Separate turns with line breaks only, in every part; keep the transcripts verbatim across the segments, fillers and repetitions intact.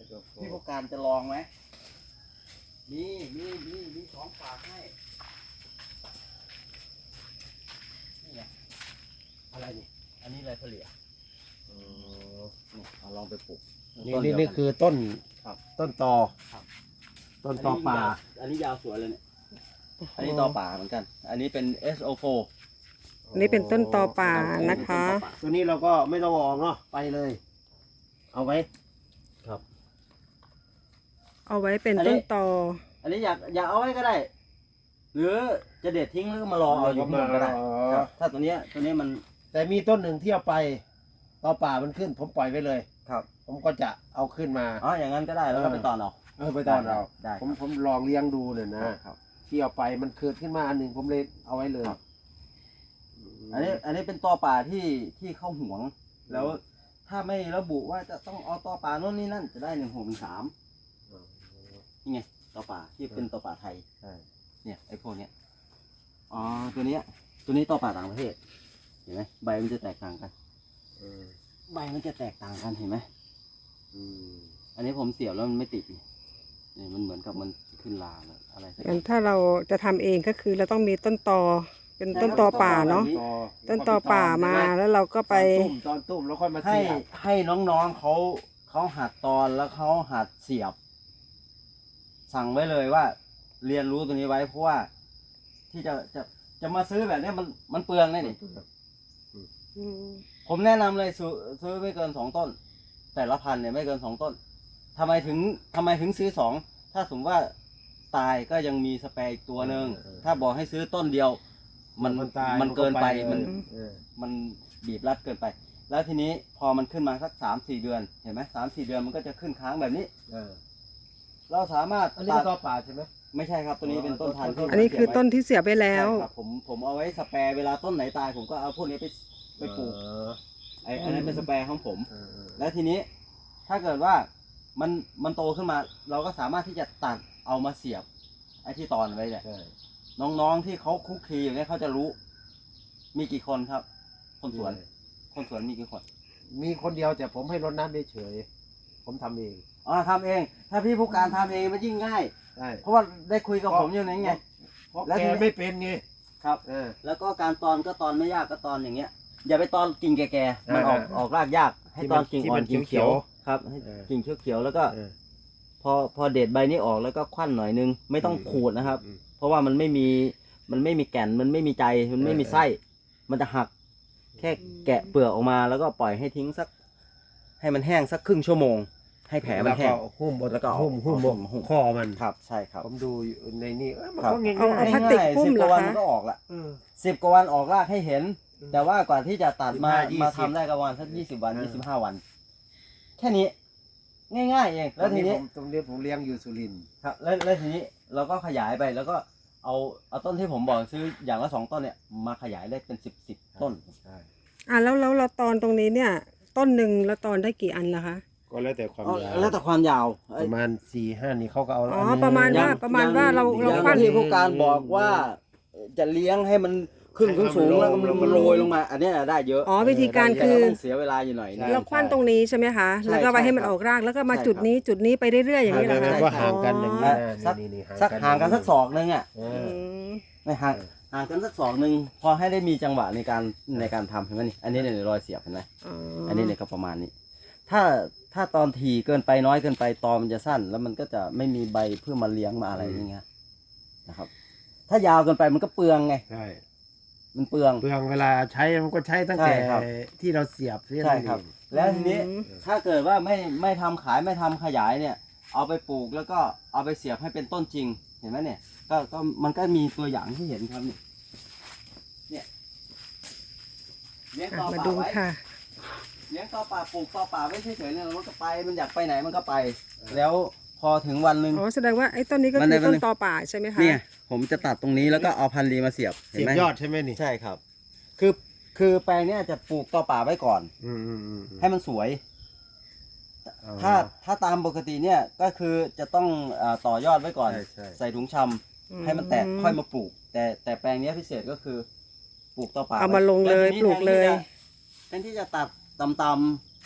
พี่ผู้การจะลองไหมมีมีมีมีของฝากให้นี่ไงอะไรนี่อันนี้อะไรเฉลี่ยนี่เอาลองไปปลูก
นี่นี่นี่คือต้น
ครับ
ต้นตอ
ครับ
ต้นตอป่า
อันนี้ยาวสวยเลยเนี่ยอันนี้ตอป่าเหมือนกัน อันนี้เป็น เอส โอ โฟร์
อันนี้เป็นต้นตอป่านะคะ
ตัวนี้เราก็ไม่ต้องออกเนาะไปเลย เอาไว้
ครับ
เอาไว้เป็นต้นตอ
อันนี้อยากอยากเอาไว้ก็ได้ หรือจะเด็ดทิ้งแล้วก็มารอเอาอยู่ที่นู่นก็ได้ครับถ้าตัวเนี้ยตัวนี้มัน
แต่มีต้นหนึ่งที่เอาไปตอป่ามันขึ้น ผมปล่อยไว้เลย
ครับ
ผมก็จะเอาขึ้นมา
อ๋ออย่างนั้นก็ได้แล้วก็ไปตอนเอา
เออไปตอนเรา
ได้
ผมผมลองเลี้ยงดูเนี่ยนะครับ ที่เอาไปมันเกิดขึ้นมาอันหนึ่งผมเลยเอาไว้เลย
ครับ อันนี้อันนี้เป็นตอป่าที่ที่เข้าห่วง แล้วถ้าไม่ระบุว่าจะต้องเอาตอป่าโน่นนี่นั่นจะได้หนึ่งหกหนึ่งสามนี่ไงตอป่าที่เป็นตอป่าไทย
ใช่
เนี่ยไอ้พวกเนี้ยอ๋อตัวเนี้ยตัวนี้ตอป่าต่างประเทศเห็นไหมใบมันจะแตกต่างกัน
เออ
ใบมันจะแตกต่างกันเห็นไหม
อืม
อันนี้ผมเสียบแล้วมันไม่ติดนี่นี่มันเหมือนกับมันขึ้นลาเลยอะไรสักอ
งั้
ย่าน ง
ถ้าเราจะทำเองก็คือเราต้องมีต้นตอ เป็นต้นตอป่าเนาะ
ตอ
ต้นตอป่ามาแล้วเราก็ไป
ตอนตุ้มตอนตุ้มแล้วค่อยมา
ให้
เสียบ
ให้น้องๆเขาเขาหัดตอนแล้วเขาหัดเสียบ สั่งไว้เลยว่า เรียนรู้ตัวนี้ไว้เพราะว่า ที่จะจะจะมาซื้อแบบนี้มันมันเปลืองแน่นี่ผมแนะนำเลยซื้อซื้อไม่เกินสองต้น แต่ละพันเนี่ยไม่เกินสองต้นทำไมถึงทำไมถึงซื้อสองถ้าสมมติว่าตายก็ยังมีสเปรย์อีกตัวหนึ่งถ้าบอกให้ซื้อต้นเดียว มัน
มันตาย
มันเกินไป
มั
มัน น
ก็ไปเลยเออ
มันบีบรัดเกินไป แล้วทีนี้พอมันขึ้นมาสักสามสี่เดือนเห็นไหมสามสี่เดือนมันก็จะขึ้นค้างแบบนี้
เออ
เราสามารถ
อันนี้
ตั
ก็
ด
ตอป่าใช่ไหม
ไม่ใช่ครับตัวนี้เป็นต้นพันธุ์ที่
อันนี้คือต้นที่เสียไปแล้ว
ใช่ครับผมผมเอาไว้สแปรเวลาต้นไหนตาย ผมก็เอาพวกนี้ไปไปปลูก
เออ
ไอ้อันนั้นเป็นสแปรของผม
เออเออ
แล้วทีนี้ถ้าเกิดว่ามันมันโตขึ้นมา เราก็สามารถที่จะตัดเอามาเสียบ ไอ้ที่ตอนไว้เนี่ย
ใช่
น้องๆที่เขาคุกคีอย่างนี้ยเขาจะรู้ มีกี่คนครับ คนสวน คนสวนมีกี่คน
มีคนเดียวแต่ผมให้รดน้ำเฉยๆผมทำเอง
อ๋อทำเอง ถ้าพี่ผู้การทำเองมันยิ่งง่าย
ใช่
เพราะว่าได้คุยกับผมอยู่นั่นไง
เพราะ
แล้ว
แก
ทีนี้
ไม่เป็นไง
ครับ
เออ
แล้วก็การตอนก็ตอนไม่ยากก็ตอนอย่างเงี้ย อย่าไปตอนกิ่งแก่ๆมันออก
เออ
ออกรากยาก ให้
ที่
ต
มั
อน
น
กิ่ง
ที่
อ่อ
มัน น
กิ่ง
เขี
เขีย
ยว ว
ครับให้
เออ
กิ่งเขียวๆแล้วก็
เออ
พอพอเด็ดใบนี้ออกแล้วก็ควันหน่อยนึง ไม่ต้องขูดนะครับ
อืม
เพราะว่ามันไม่มีมันไม่มีแก่นมันไม่มีใจมันไม่มีไส้ มันจะหัก แค่แกะเปลือกออกมาแล้วก็ปล่อยให้ทิ้งสัก ให้มันแห้งสักครึ่งชั่วโมง ให้แผลมันแห้ง
ล้วก็หุ้มบน
แล้วก็เอา
หุ้มหุ้มบน
หุ้ม
คอมัน
ครับใช่ครับ
ผมดูอยู่ในนี่เอ้ยมัน
ครับ
ก็ง่าย
เอาเอา
ๆ
พลาสติกหุ้ม
สิบ
เห
ก
รอ
ว่าวัน
คะ
มันก็ออกละ
เออ
สิบกว่าวันออกรากให้เห็น แต่ว่ากว่าที่จะตัดมา
สิบห้ายี่สิบ
มาทำได้ก็ประมาณสักยี่สิบวัน
เออ
ยี่สิบห้าวัน แค่นี้ ง่ายๆเอง แล้วทีนี้
ผมตรงนี้ผมเลี้ยงอยู่สุรินทร์
ครับแล้วแล้วทีนี้เราก็ขยายไปแล้วก็เอาเอาต้นที่ผมบอกซื้ออย่างละสองต้นเนี่ยมาขยายได้เป็นสิบสิบต้น
ใช่
อ่ะแล้วแล้วเราตอนตรงนี้เนี่ย ต้นหนึ่งแล้วตอนได้กี่อันล่ะคะ
ก็แล้วแต่ความ
เอา
ยาว
แล้วแต่ความยาว
ประมาณสี่ห้านี่เขาก็เอา
อ๋อ
อันนี้
ประมาณ
อย่
ว่
ง
ประมาณว่าเรา
อย่ง
เรา
อย่ง
ควัน
ที่ผู้การบอกว่าจะเลี้ยงให้มันขึ้นสูงๆแล้วก็มันโรยลงมา อันเนี้ยได้เยอะ
อ๋อวิธีการ
แต่
คือ
ต้องเสียเวลาอยู่หน่อยนะ
เราควันตรงนี้ใช่ไหมคะ
ใช่
แล้วก็ไปให้มัน
ใช่
ออกรากแล้วก็มา
ใช่
จุด
ครับ
นี้จุดนี้ไปเรื่อยๆอย่างนี้เหรอ
แล้
คะ
วก็ห่างกันอย่างนี้
อ่า
นะ
สัก
นี่นี่
สักห่างกันสักศอกนึงอ่ะ
เอ
อื
อ
ม
ไม่ห่างห่างกันสักศอกนึงพอให้ได้มีจังหวะในการในการทำเห็นไหมนี่อันนี้เนี่ยรอยเสียบเห็นไหม
อ๋อ
อันนี้เนี่ยก็ประมาณนี้ ถ้าถ้าตอนทีเกินไปน้อยเกินไปตอมันจะสั้น แล้วมันก็จะไม่มีใบเพื่อมาเลี้ยงมาอะไรอย่างเงี้ยนะครับ ถ้ายาวเกินไปมันก็เปลืองไง
ใช่
มันเปลือง
เปลืองเวลาใช้มันก็ใช้ตั้ง
ใช่
แต่
ครับ
ที่เราเสียบเสีย
ใช่ครับ
นั่นเอง
แล้วทีนี้
อืม
ถ้าเกิดว่าไม่ไม่ทำขายไม่ทำขยายเนี่ย เอาไปปลูกแล้วก็เอาไปเสียบให้เป็นต้นจริง เห็นไหมเนี่ย ก็ก็มันก็มีตัวอย่างที่เห็นครับนี่เนี่ยเลี้ยง
อ่ะ
ต่อ
มา
ป่า
ดู
ไว้
ค่ะ
เลี้ยงต่อป่าปลูกต่อป่าไม่เฉยๆเนี่ยมันก็ไปมันอยากไปไหนมันก็ไป แล้วพอถึงวันหนึ่ง
อ๋อแสดงว่าไอ้ต้นนี้ก็
มัน
คื
ได้
อ
มัน
ต้น
ได้
ตอป่าใช่ไหมคะ
เนี่ยผมจะตัดตรงนี้แล้วก็เอาพันธุ์ดีมาเสียบเห็น
เสียบ
ไหม
ยอดใช่ไหมนี่
ใช่ครับ คือคือแปลงเนี้ยจะปลูกต่อป่าไว้ก่อน
อืมอืมอืมอืม
ให้มันสวย
อ๋อ
ถ้าถ้าตามปกติเนี่ยก็คือจะต้องเอ่อต่อยอดไว้ก่อน
ใช่ใช่
ใส่ถุงชำให้มันแตกค่อยมาปลูก แต่แต่แปลงเนี้ยพิเศษก็คือปลูกต่อป่า
เอามาลงเลย
แวทีนี้
ปลูกเลย
แทนที่จะแทนที่จะตัดต่ำๆ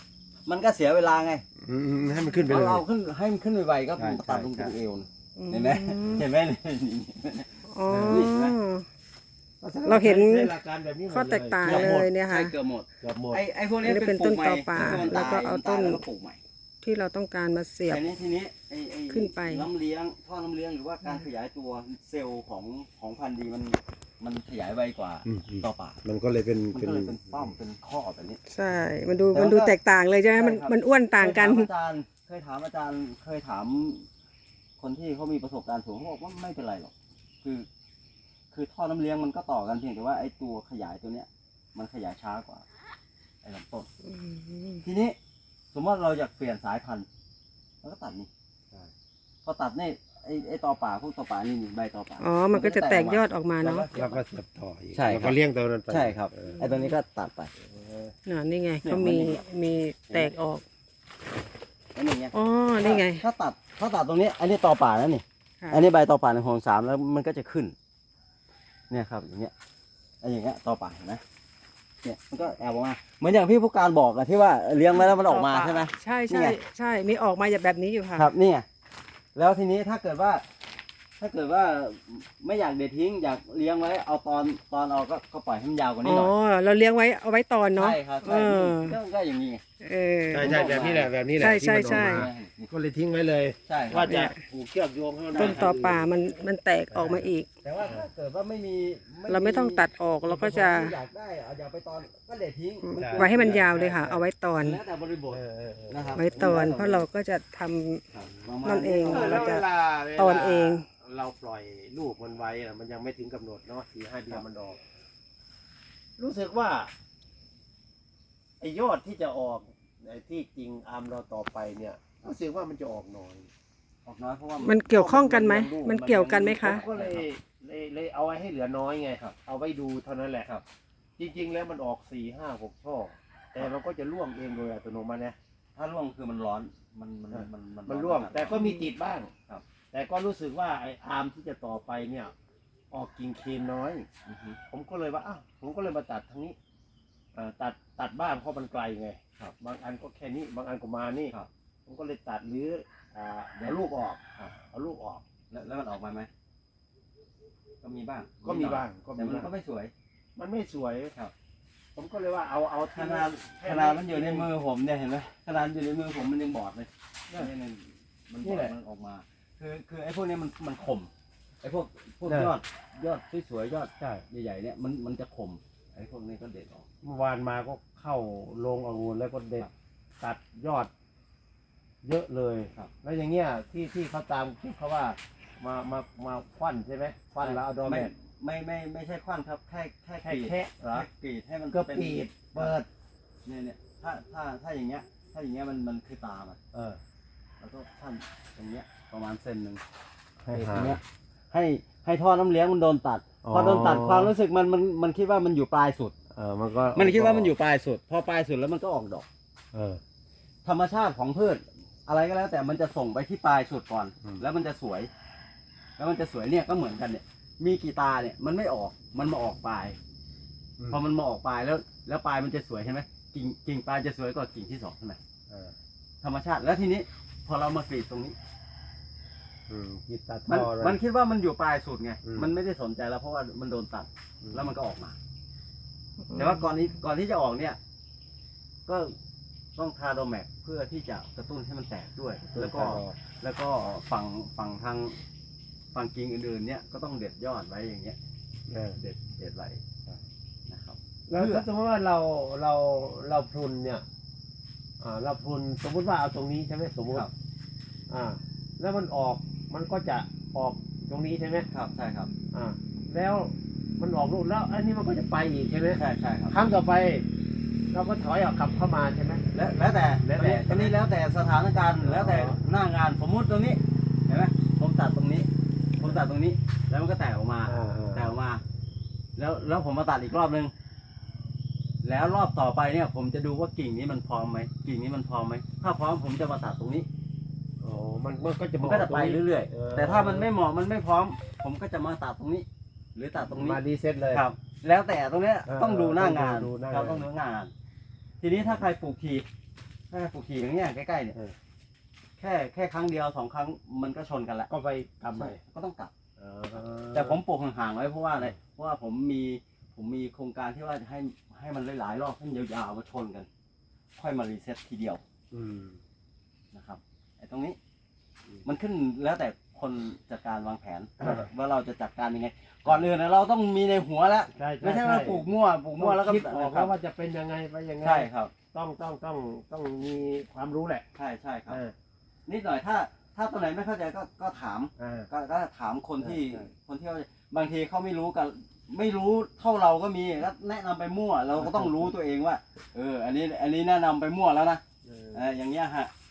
มันก็เสียเวลาไง
อืมให้มันขึ้นไป
เรา
เลย
เอาขึ้นให้มันขึ้นไวๆก็
ใช่
ตัดลง
ใช่
ตรงเอวนะ
อืม
เห็นไหมเห็นไหมนี่
อ๋อ
นี่นะ
เราเห็น
ใช้หลักการแบบนี้หมด
ข้อแตกต่าง
กือบห
เล
มด
ยเนี่ย
ใช่
ค่ะ
เกือบหมด
เกือบหมด
ไอ้ไอ้พวกนี้
อันนี้เป็
เป็น
น
ปลูกใหม่
ต้นตอป่า
ที่มัน
แล้วก็เอาต้น
ตยแล้วก็ปลูกใหม่
ที่เราต้องการมาเสียบ
ทีนี้ทีนี้ไอ้ไอ้
ขึ้นไป
น้ำเลี้ยงท่อน้ำเลี้ยงหรือว่าการขยายตัวเซลล์ของของพันธุ์ดีมันมันขยายไวกว่า
อืมอืม
ต่อป่า
มันก็เลยเป็น
มัน
เป็น
ก็เลยเป็นป้อมเป็นข้อแบบนี้
ใช่ มันดู
แต่
มันดู
ว่า
แตกต่างเลยใช่ไหมมัน
ใช่ครับ
มันอ้วนต่างกัน
เคยถามอาจารย์เคยถามอาจารย์เคยถาม คนที่เขามีประสบการณ์สูงเขาบอกว่าไม่เป็นไรหรอกคือ คือท่อน้ำเลี้ยงมันก็ต่อกันเพียงแต่ว่าไอ้ตัวขยายตัวเนี้ย มันขยายช้ากว่าไอ้ลำต้น
อืม
ทีนี้สมมติเราอยากเปลี่ยนสายพันธุ์เราก็ตัดนี่พอตัดนี่ไอ้ไอ้ตอป่าพวกตอป่านี่นี่ใบตอป่า
อ๋อ มันก็จะแตกยอดออกมาเนาะ
แล้วก็เสียบต่ออีก
ใช่ครับ
แล้วก็เลี้ยงตัวนั้นไป
ใช่ครับ
เออ
ไอ้ตัวนี้ก็ตัดไป
น่ะนี่ไง
เนี่ย
เขา
มัน
มี
นี่
มีแตกออก
ไอ้นี่ไง
อ๋อ นี่ไง
ถ้าตัดถ้าตัดตรงนี้อันนี้ตอป่าแล้วนี่
ค่ะ
อันนี้ใบตอป่าในของสามแล้วมันก็จะขึ้น เนี่ยครับอย่างเงี้ยไอ้อย่างเงี้ยตอป่าเห็นไหมเนี่ยมันก็แอบออกมาเหมือนอย่างพี่ผู้การบอกอะที่ว่าเลี้ยงไว้แล้วมันออกมาใช่ไหม
ใช่
นี่
ใช่
ไง
ใช่ มีออกมาแบบนี้อยู่ค่ะ
ครับนี่ไงแล้วทีนี้ถ้าเกิดว่า ถ้าเกิดว่าไม่อยากเด็ดทิ้งอยากเลี้ยงไว้เอาตอนตอนเอาก็ก็ปล่อยให้มันยาวกว่านี้
อ๋
หน่อย
อ เราเลี้ยงไว้เอาไว้ตอนเนาะ
ใช่ครับ
เอ
ใช่
อ
ก็ก็อย่างนี้ไง
เออ
ใช่ใช่แบบนี้แหละแบบนี้แหละ
ใช่ใช่
ที่มันออก
ใช่
มาก็เลยทิ้งไว้เลย
ใช่ครับ
ว่าจะผูกเชือกโยงให้มัน
ต้นต่อป่ามันมันแตกออกมาอีก
แต่ว่าถ้าเกิดว่าไม่มี
เราไม่ต้องตัดออกเราก็จะ
อยากได้เอาอยากไปตอนก็เด็ดทิ้งมัน
ไว้ให้มันยาวเลยค่ะ เอาไว้ตอน
แล้วแต่บริบท
เออเออเออ
นะครับ
ไว้ตอน เพราะเราก็จะทำ
ครับประมาณ
นั่นเอง
เออแล้วเวลา
ตอนเอง
เราปล่อยลูกมันไว้อะมันยังไม่ถึงกำหนดเนาะสี่ห้าเดือนมันออก รู้สึกว่าไอ้ยอดที่จะออกไอ้ที่จริงอาร์มเราต่อไปเนี่ยรู้สึกว่ามันจะออกน้อย
ออกน้อยเพราะว่า
มั
มัน
เกี่ยวข้องกันไหม มันเกี่ยวกันไหม
ผ
คะ
มก็เลยเลยเลยเอาไว้ให้เหลือน้อยไง
ครับ
เอาไว้ดูเท่านั้นแหละ
ครับ
จริง ๆ แล้วมันออกสี่ห้าหกช่อแต่มันก็จะร่วงเองโดยอัตโนมัตินะ
ถ้าร่วงคือมันร้อนมันมันมัน
มันร่วง
ขนาด
แต่ก็มีติดบ้าง
ครับ
แต่ก็รู้สึกว่าไอ้อาร์มที่จะต่อไปเนี่ย ออกกิ่งเคนน้อย
อือฮึ
ผมก็เลยว่าอ้าวผมก็เลยมาตัดทางนี้เอ่อตัดตัดบ้างเพราะมันไกลไง
ครับ
บางอันก็แค่นี้ บางอันก็มานี่
ครับ
ผมก็เลยตัดหรืออ่าเอาลูกออก
ครับ
เอาลูกออก
แล้วแล้วมันออกมาไหมก็มีบ้าง
ก็มีบ้างก็
แต่
มี
มัน
บ้าง
ก็ไม่สวย
มันไม่สวย
ครับ
ผมก็เลยว่าเอาเอา
ขนาดขนาดมันอยู่ในมือผมเนี่ยเห็นไหมขนาดอยู่ในมือผมมันยังบอดเลย
เนี่ย
นี่มันมันบ
นี่
อด
แหละ
มันออกมา คือคือไอ้พวกนี้มันมันขมไอ้พวกพวก
เนี่ย
ยอดยอดสวยๆยอด
ใช่
ใหญ่ๆเนี่ยมันมันจะขมไอ้พวกนี้ก็เด็ดออก
เมื่อวานมาก็เข้าโรงองุ่นแล้วก็เด็ด
ครับ
ตัดยอด เยอะเลย
ครับ
แล้วอย่างเงี้ยที่ที่เขาตามคลิปเขาว่ามามามาควันใช่ไหมควันแล้วเอาดอแม
ไม่
น
ไม่ไม่ไม่ใช่ควันครับแค่แค่
แค่
กรีด
แค่เหรอ
แค่กรีดให้มัน
ก็
เป็น
ปีดเปิด
เนี่ยเนี่ยถ้าถ้าถ้าอย่างเงี้ย ถ้าอย่างเงี้ยมันมันคือตามัน
เออ
แล้วก็ขั้นตรงเนี้ยประมาณเซนหนึ่ง
ให้
ต
หา
รงเนี้ยให้ให้ท่อน้ำเลี้ยงมันโดนตัด
อ๋อ
พอโดนตัดความรู้สึกมันมันมันคิดว่ามันอยู่ปลายสุด
เออมันก็
มันคิดว่ามันอยู่ปลายสุด พอปลายสุดแล้วมันก็ออกดอก
เออ
ธรรมชาติของพืช อะไรก็แล้วแต่มันจะส่งไปที่ปลายสุดก่อน
อืม
แล้วมันจะสวย แล้วมันจะสวยเนี่ยก็เหมือนกันเนี่ย มีกี่ตาเนี่ยมันไม่ออกมันมาออกปลาย พอมันมาออกปลายแล้ว แล้วปลายมันจะสวยใช่ไหมกิ่งกิ่งปลายจะสวยกว่ากิ่งที่สองใช่ไหม
เออ
ธรรมชาติแล้วทีนี้ พอเรามากรีดตรงนี้
อืมกีดตัด
มัน
ท่อเลย
มันคิดว่ามันอยู่ปลายสุดไง
อืม
มันไม่ได้สนใจแล้วเพราะว่ามันโดนตัด
อืม
แล้วมันก็ออกมา แต่ว่าก่อนนี้ก่อนที่จะออกเนี่ย ก็ต้องทาโดแมกเพื่อที่จะกระตุ้นให้มันแตกด้วย แล้วก็ แล้วก็ฝั่งฝั่งทางฝั่งกิ่งอื่นๆเนี่ยก็ต้องเด็ดยอดไว้อย่างเงี้ย
เออ
เด็ดเด็ดไว้นะครับ
แล้วถ้าสมมติว่าเราเราเราพรุนเนี่ย อ่า เราพรุนสมมุติว่าเอาตรงนี้ใช่ไหมสมมติ
ครับ
อ่า แล้วมันออกมันก็จะออกตรงนี้ใช่ไหม
ครับใช่ครับ
อ่า แล้วมันออกลูกแล้วอันนี้มันก็จะไปอีกใช่ไหม
ใช่ใช่ครับ
ครั้งต่อไป เราก็ถอยออกกลับเข้ามาใช่ไหม
แล้วแล้วแต่
แล้วแต่
อันนี้แล้วแต่สถานการณ์
อ๋อ
แล้วแต่หน้างานสมมุติตรงนี้เห็นไหมผมตัดตรงนี้ ผมตัดตรงนี้ แล้วมันก็แตกออกมา
อ่า
แตกออกมา แล้วแล้วผมมาตัดอีกรอบนึงแล้วรอบต่อไปเนี่ย ผมจะดูว่ากิ่งนี้มันพร้อมไหมกิ่งนี้มันพร้อมไหมถ้าพร้อมผมจะมาตัดตรงนี้
โอ้มันมันก็จะ
มันก็จะไปเรื่อย
เออ
ๆ แต่ถ้ามันไม่เหมาะมันไม่พร้อม ผมก็จะมาตัดตรงนี้ หรือตัดตรงนี้
มารีเซ็ตเลย
ครับ แล้วแต่ตรงเนี้ย
เออ
ต้องดูหน้างาน
ต้องดูหน้างาน
ครับต้องดูหน้างาน ทีนี้ถ้าใครปลูกทีแค่ปลูกถี่อย่างเงี้ยใกล้ๆเนี่ย
เออ
แค่แค่ครั้งเดียวสองครั้งมันก็ชนกันแล้ว
ก็ไปทำใหม่
ก็ต้องกลับ
อ๋อ
แต่ผมปลูกห่างๆไว้เพราะว่าอะไรเพราะว่าผมมีผมมีโครงการที่ว่าจะให้ให้มันหลายๆรอบให้มันยาวๆมาชนกัน ค่อยมารีเซ็ตทีเดียว
อืม
นะครับไอ้ตรงนี้
อืม
มันขึ้นแล้วแต่คนจัดการวางแผน
อ่า
ว่าเราจะจัดการยังไง ก่อนอื่นนะเราต้องมีในหัวแล้ว
ใช่ใช่
ไม่ใช่ว่าปลูกมั่วปลูกมั่วแล้วก็
คิดออก
ครั
แล้
บ
วว่าจะเป็นยังไงไปยังไง
ใช่ครับ
ต้องต้องต้องต้องมีความรู้แหละ
ใช่ใช่ครับ
อ่า
นิดหน่อยถ้าถ้าตัวไหนไม่เข้าใจก็ก็ถาม
อ่า
ก็ก็ถามคนที่
ใช่ใช่
คนที่เขาบางทีเขาไม่รู้กันไม่รู้เท่าเราก็มีก็แนะนำไปมั่ว เราก็ต้องรู้ตัวเองว่า เออ อันนี้อันนี้แนะนำไปมั่วแล้วนะ
เออ
เอออย่างเงี้ยฮะ